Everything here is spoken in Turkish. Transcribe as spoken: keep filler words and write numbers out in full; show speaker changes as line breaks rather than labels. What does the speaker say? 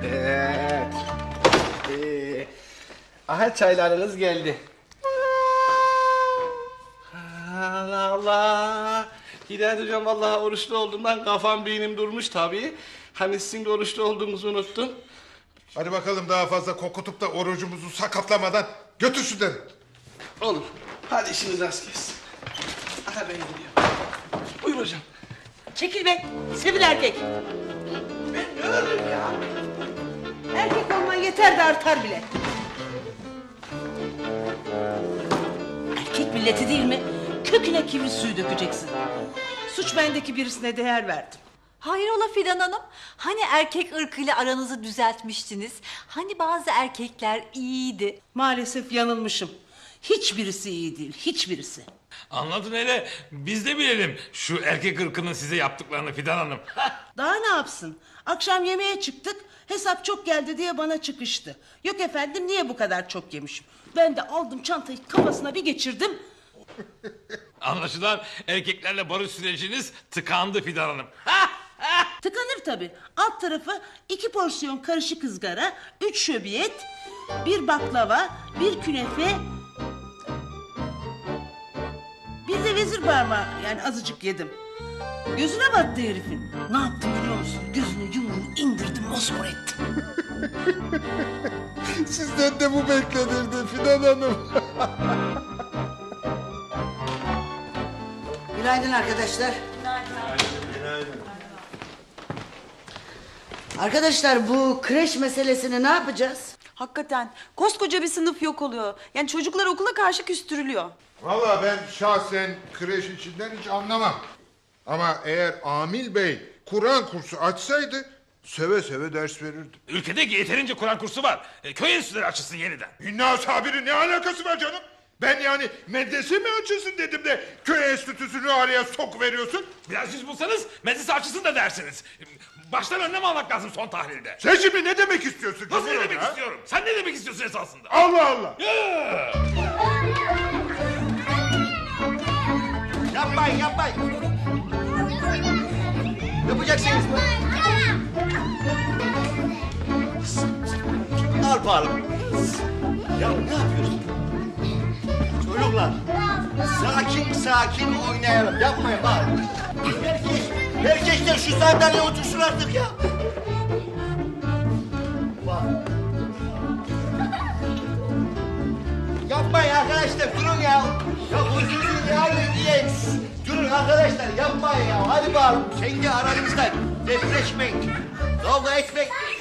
Evet. Ee, aha çaylarınız geldi. Allah Allah. Hidayet hocam vallahi oruçlu olduğumdan kafam beynim durmuş tabii. Hani sizin de oruçlu olduğunuzu unuttum.
Hadi bakalım daha fazla kokutup da orucumuzu sakatlamadan götür şunları.
Olur. Hadi işiniz rast gelsin. Aha ben gidiyorum. Buyur hocam.
Çekil be, sivil erkek.
Ben ne öldüm ya?
Erkek olman yeter de artar bile. Erkek milleti değil mi? Köküne kibrit suyu dökeceksin. Suç bendeki birisine değer verdim.
Hayrola Fidan Hanım? Hani erkek ırkıyla aranızı düzeltmiştiniz? Hani bazı erkekler iyiydi?
Maalesef yanılmışım. Hiçbirisi iyi değil, hiçbirisi.
Anladın hele, biz de bilelim şu erkek ırkının size yaptıklarını Fidan Hanım.
Daha ne yapsın? Akşam yemeğe çıktık, hesap çok geldi diye bana çıkıştı. Yok efendim, niye bu kadar çok yemişim? Ben de aldım çantayı kafasına bir geçirdim.
Anlaşılan erkeklerle barış süreciniz tıkandı Fidan Hanım.
Tıkanır tabii. Alt tarafı iki porsiyon karışık ızgara, üç şöbiyet, bir baklava, bir künefe... Bir de vezir parmağı, yani azıcık yedim. Gözüne battı herifin. Ne yaptım biliyor musun? Gözünü yumruğu indirdim, mosmor ettim.
Sizden de bu beklenirdi Fidan Hanım.
Günaydın arkadaşlar. Arkadaşlar bu kreş meselesini ne yapacağız?
Hakikaten koskoca bir sınıf yok oluyor. Yani çocuklar okula karşı küstürülüyor.
Vallahi ben şahsen kreş içinden hiç anlamam. Ama eğer Amil Bey Kur'an kursu açsaydı seve seve ders verirdi.
Ülkede yeterince Kur'an kursu var. E, köy enstitüleri açılsın yeniden.
İnna sabiri ne alakası var canım? Ben yani medrese mi açılsın dedim de köy enstitüsünü araya sok veriyorsun.
Biraz yüz bulsanız medrese açılsın da dersiniz. Baştan önlem almak lazım son tahlilde.
Sen şimdi ne demek istiyorsun?
Nasıl ne
Cumhurbaşkanı,
demek
ha?
istiyorum? Sen ne demek istiyorsun esasında?
Allah Allah.
Ya!
Yapmayın yapmayın. Yapacaksınız mı? Al bakalım. Ya ne yapıyorsun? Çocuklar sakin sakin oynayalım. Yapmayın bari. Herkes, herkes de şu sandalyeye otursun artık ya. Bak. Yapmayın arkadaşlar durun ya. Ya huzursuz ya diye. Durun arkadaşlar yapmayın ya. Hadi bakalım kendi aranızda depreşmeyin. Kavga etmeyin.